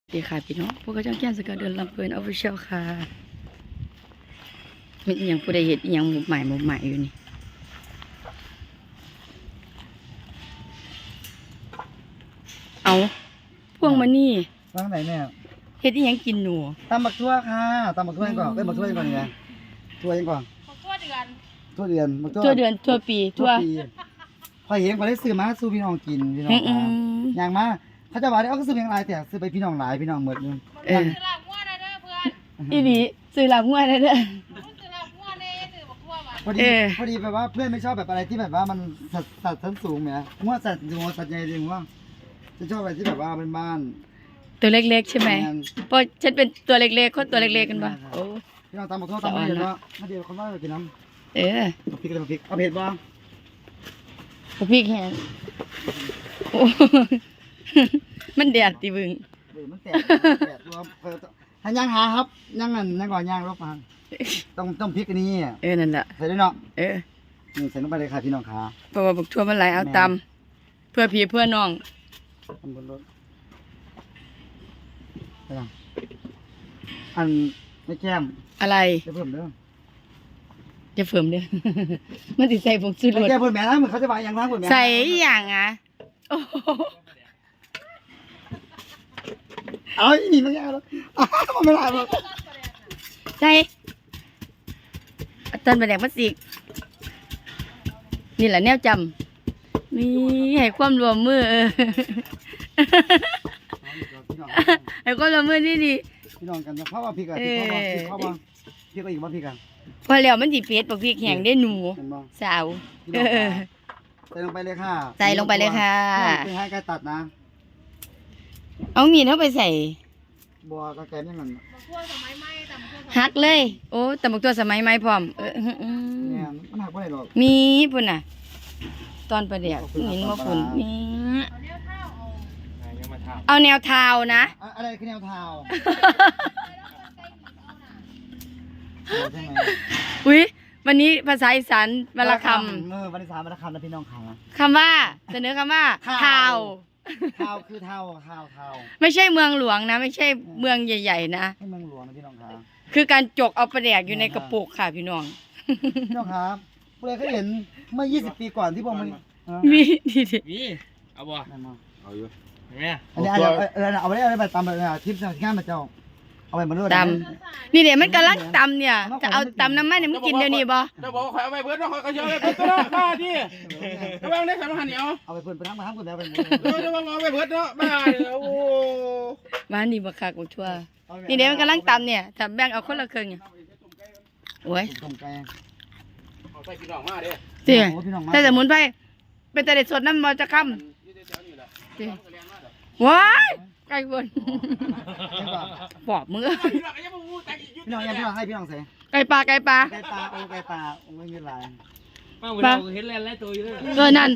ดีค่ะพี่น้องพวกเขาจ้างแก้นสกัดเดินลำเพลินออฟฟิเชียลค่ะมีอหย่างผู้ใดเห็นอหย่างหมุกใหม่อยู่นี่เอาพวงมานี่ร้านไหนเนี่ยเห็ดอหย่างกินหนูตำบักทั่วค่ะตำบักทั่วยังก่อนบักทั่วยังก่อนนี่ไงทั่วยังก่อนทั่วเดือนบักทั่วเดือนทั่วปีทั่วพอเห็นพอได้ซื้อมาสู้พี่น้องกินพี่น้องอย่างมาเขาจะบอกได้เอาก็ซื้อเพียงไรแต่ซื้อไปพี่น้องหลายพี่น้องหมดนึงซื้อหลับงัวได้เด้อเพื่อนอีหลีซื้อหลับงัวได้เด้อพอดีแบบว่าเพื่อนไม่ชอบแบบอะไรที่แบบว่ามันสัตว์ชั้นสูงไหมงัวสัตว์งัวสัตว์ใหญ่จริงว่าจะชอบอะไรที่แบบว่าเป็นบ้านตัวเล็กๆใช่ไหมเพราะฉันเป็นตัวเล็กๆคนตัวเล็กๆกันปะโอ้พี่น้องตำบักทั่วตำไม่เห็นว่าถ้าเดียวคนว่าจะกินน้ำพริกอะไรพริกเอาเผ็ดบ้างพริกแห้งโอ้มันแดดตีบึงมันแตกรวมให้ย่างหาครับย่างนั่นย่างก่อนย่างรบมาต้องพริกอันนี้นั่นแหละใส่ด้วยเนาะนี่ใส่ลงไปเลยค่ะพี่น้องขาเพราะว่าบักทั่วมันไหลเอาตำเพื่อพี่เพื่อน้องตำบนรถไปยังอันไม่แก้มอะไรจะเพิ่มเด้อจะเพิ่มเด้อมันติดใส่ผงชูรสแก้เพิ่มแม่นะเหมือนเขาจะมาอย่างนั้นเพิ่มแม่ใส่อย่างอ่ะเอาอีนี่มันยากแล้วมันไม่ได้หรอกใช่ตอนประเด็กมัดสิกนี่แหละแนวจำนี่ให้ความรวมมือให้ความรวมมือนี่ดีพี่น้องกันเพราะว่าพี่กับพี่เพราะว่าพี่ก็อีกว่าพี่กันพอแล้วมันจีเผ็ดบอกพี่แข็งได้หนูสาวใส่ลงไปเลยค่ะใส่ลงไปเลยค่ะไม่ให้ใครตัดนะเอามีดเข้าไปใส่บัวกระแกมยังไงหักเลยโอ้แต่บักตัวสมัยใหม่พร้อมเนี่ยมันหักไม่ได้หรอกมีปุ่นน่ะตอนประเดี๋ยวหินมาปุ่นนี่เอาแนวเท้านะอะไรคือแนวเท้าใช่ไหมอุ้ยวันนี้ภาษาอีสานวรรณคำวันที่3วรรณคำนะพี่น้องค่ะคำว่าเสนอคำว่าเท้าคือเท้าไม่ใช่เมืองหลวงนะไม่ใช่เมืองใหญ่ๆนะไม่เมืองหลวงนะพี่น้องค่ะคือการจกเอาประเดี๋ยวอยู่ในกระปุกค่ะพี่น้องพี่น้องครับเพื่อนเคยเห็นเมื่อ20 ปีก่อนที่พวกมันมีเอาบ่เอาอยู่เห็นไหมอันนี้เอาไปตำไปทิปงานมาเจ้าเอาไปมาด้วยตำนี่เดี๋ยวมันกำลังตำเนี่ยจะเอาตำน้ำมันเนี่ยมันกินเดี๋ยวนี้บ่จะบอกว่าข่อยเอาไปเบิร์ดเนาะข่อยก็เชื่อไปเบิร์ดตัวละบ้าที่ระวังได้สารพันเหนียวเอาไปเพิ่นไปทั้งคนแล้วไประวังเอาไปเบิร์ดเนาะบ้าโอ้บ้านนี่บักคักบักทั่วนี่เดี๋ยวมันกำลังตำเนี่ยถ้าแบ่งเอาคนละครึ่งเนี่ยโอ้ยเอาใส่พี่น้องมาเด้เจ้ใส่สมุนไพรเป็นแต่เด็ดสดน้ำมันจะค่ำว้ายไก่บนปอบมือพี่น้องให้พี่น้องใส่ไก่ปลาโอ้ไก่ปลาไม่มีลายมาเห็นแลนไล่ตัวอยู่เลยนั่น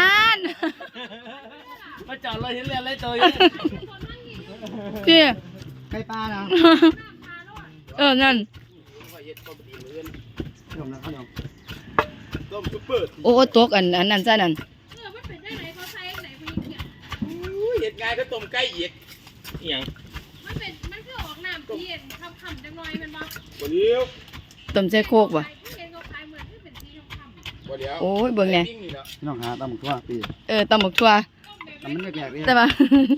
มาจอดเลยเห็นแลนไล่ตัวอยู่เจ้ไก่ปลานะนั่นโอ้ตกอันนั้นซะนั่นเห็ดไงก็ต้มไก่อีกอย่างมันคือออกน้ำเพียนคำจังหน่อยมันบ่บ่เดียวต้มใส่โคกบ่โอ้ยเบิ่งไงน้องหาตำหมกทั่วปีตำหมกทั่วมันแหลกเลยแต่ว่า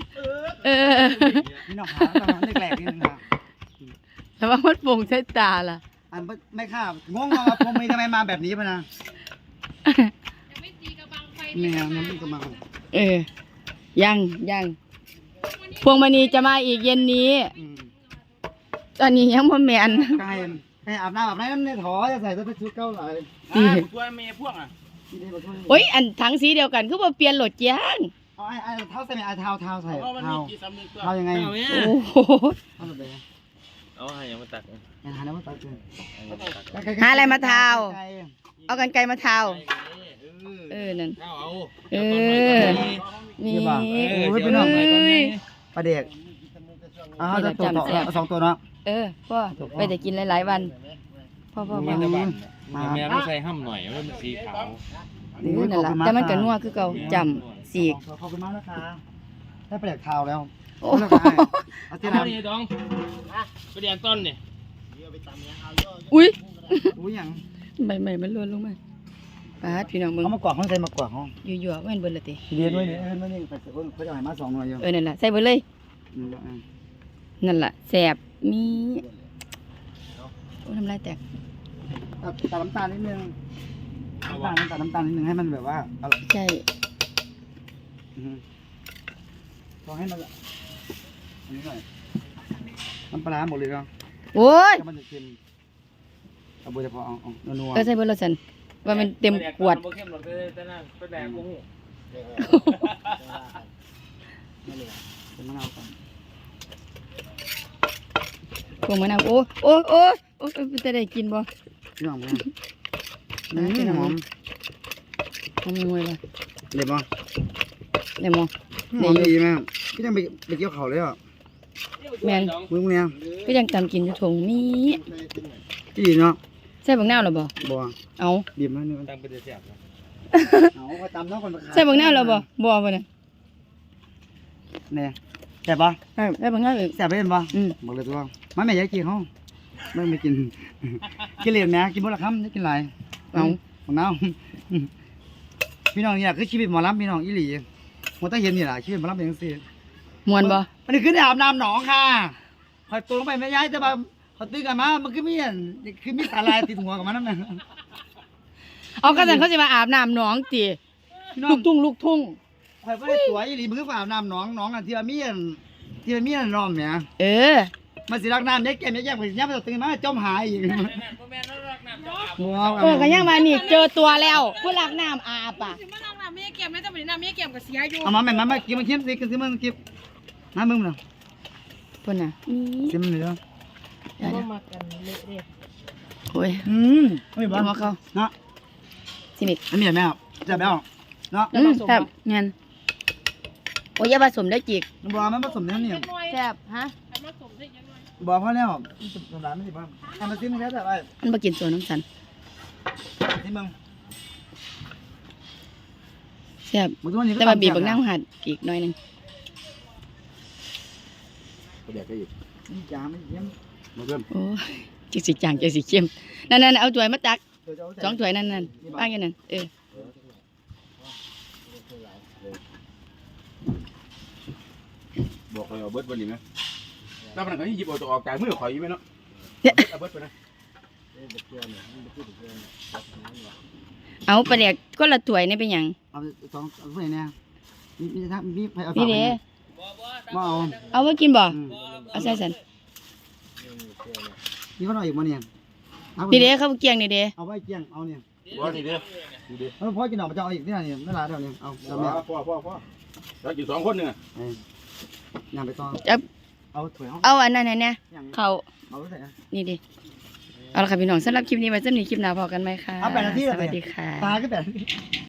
พี่น้องหาตำแหลกนี่นะแต่ว่ามันโป่งใช้ตาล่ะอันไม่ข้ามงงว่าผมมีทำไมมาแบบนี้ป่ะนะเนี่ยมันกำลังยังพวงมณีจะมาอีกเย็นนี้ตอนนี้ยังพ่อแม่นให้อาบน้ำนั่นเนี่ยถอจะใส่ชุดเก้าหลายตัวเมย์พวกโอ้ยอันทั้งสีเดียวกันคือว่าเปลี่ยนโหลดยางเอาเท้าใส่ไหมเท้าใส่เท้ายังไงโอ้โหเอาให้ยังมาตัดหาแล้วมาตัดหาอะไรมาเท้าเอากันไกลมาเท้านั่นนี่พี่น้องปลาเด็กจะตัว2 ตัวเนาะพ่อไปแต่กินหลายๆวันพ่อแม่ไม่ใส่ห้ำหน่อยมันสีขาวนั่นแหละแต่มันก็นัวคือเก่าจำสีขอบคุณมากนะคะได้ปลาเด็กเท้าแล้วโอ้เอาแล้วก็ให้เอาที่เอาน้ำนี่ดองไปเรียนต้นนี่อุ้ยอุ้ยหยังใบใหม่มันล้วนลงมาปาดพี่น้องมึงเอามากวาดห้องใส่มากวาดห้องอยู่ๆว่ามันเบิดละติเรียนไว้เนี่ยเอิ้นไว้นี่ไปเขาจะให้มา2หน่วยอยู่นั่นล่ะใส่เบิดเลยอืมแล้วอ่ะนั่นล่ะแซ่บมีโอ้น้ำลายแตกตัดน้ำตาลนิดนึงตัดน้ำตาลนิดนึงให้มันแบบว่าอร่อยใช่อือฮึพอให้มันอันนี้หน่อยน้ำปลาร้าหมดเลยก็โอ้ยถ้ามันจะเค็มเอาเบอร์เฉพาะเอานัวก็ใส่เบิดแล้วซั่นว่ามันเต็มขวดบ่เข้มหรอกแต่นั่นไปแดกบ่ฮู้ไม่เลยเป็นมะนาวก่อนพวกมะนาวโอ้โอ้โอ้โอ้จะได้กินบ่พี่น้องมั้ย หอมหอมงวยบ่เด็ดบ่ได้บ่หอมดีมากพี่ต้องไปเกี่ยวเขาเลยอ่ะแม่นมึงเนี่ยก็ยังตำกินอยู่ถุงมีที่ดีเนาะใส่บักนาวแล้วบ่บ่เอาบีบมาเนี่ยตั้งเป็นแซ่บนะเอาไปตำเนาะคนใส่บักนาวแล้วบ่บ่บ่เนี่ยเนี่ยแซ่บบ่ใส่บักนาวอีกแซ่บไปเห็นบ่บอกเลยตัวมันไม่อยากกินเขาไม่กิน กินเหรียญแม่กินบ่ละคำจะกินหลายเอาของน้าพี่น้องเนี่ยคือชีวิตหมอลำพี่น้องอีหลีหมดต้องเห็นนี่ล่ะชีวิตหมอลำเป็นจังซี่ม่วนบ่มันนี่คือได้อาบน้ำหนองค่ะคอยตัวลงไปไม่ย้ายแต่ว่าเขาตื้อกันมามันคือมีสาลายติดหัวกับมันนั่นน่ะเอาก็ซั่นเขาสิมาอาบน้ำหนองติพี่น้อลูงกทุ่งคอยบ่ได้สวยอีหลีมันคืออาบน้ำหนองอ่ะที่ว่ามีอันน้อมเนี่ยเออมันสิรักน้ำยายแก้มไปย่ำไปตื่นมาจมหายอีกบ่แม่นรักน้ำจะอาบหัวเออก็ยังมานี่เจอตัวแล้วผู้รักน้ำอาบอ่ะสิมาล้างน้ำไม่ให้เก็บแม่แต่วันนี้น้ำไม่ให้เก็บกับเสียอยู่เอามาแม่มากินมาเค็มสิกินมันกินน้ำมึงน่ะพุ่นน่ะกินมันเลยเนาะบ่มากันเละเด้โอ้ยไม่บ้าเอามาเข้าเนาะสิมิกอันนี้แม่จะแม่เนาะแซ่บงั้นโอ้ยอย่าผสมได้จิกบัวมันผสมเนี่ยเล็กน้อยแซ่บฮะอันมาสมได้ยังไงบัวพอแล้วสำหรับไม่ใช่บ้างทำมาซิมแล้วแต่ว่ามันบ่กินส่วนน้ำสันที่มึงแซ่บมึงทุกวันนี้แต่ว่าบีบบักนาวหัดอีกหน่อยหนึงเดี๋ยวก็อีกนี่จ้าไม่เยี่ยมมาเพิ่มโอ้ยจักสิจางจักสิเข้มนั่นๆเอาถ้วยมาตัก2ถ้วยนั่นๆป้างอยู่นั่นเออบอกเลยเอาเบิดวันนี้ไหมแล้วมันก็หยิบเอาตัวออกจากมือข่อยอยู่ไหมเนาะเอาเบิดไปนะเอาปลาแดกก็ละถ้วยนี่เป็นหยังเอาสองเพื่อนเนี่ยมีทั้งมีเอานี่เด้มาเอาเอาไว้กินบ่เอาใส่สันนี่ก็หน่อยอีกมาเนี่ยนี่เด้ข้าวเกียงนี่เด้เอาไว้เกี่ยงเอาเนี่ยบ่นี่เด้อนี่เด้อแล้วพ่อกินออกมาจะเอาอีกที่ไหนเนี่ยไม่ลาเดี๋ยวนี้เอาพ่แม่อเรากิน2คนนึงย่างไปต่อเอาถั่วเอาอันนั้นเนี่ยย่างเขาเอาไปใส่นี่ดิเอาละค่ะพี่น้องสำหรับคลิปนี้ไว้สำหรับคลิปหน้าพอกันไหมคะเอา8 นาทีสวัสดีค่ะตาก็แบบ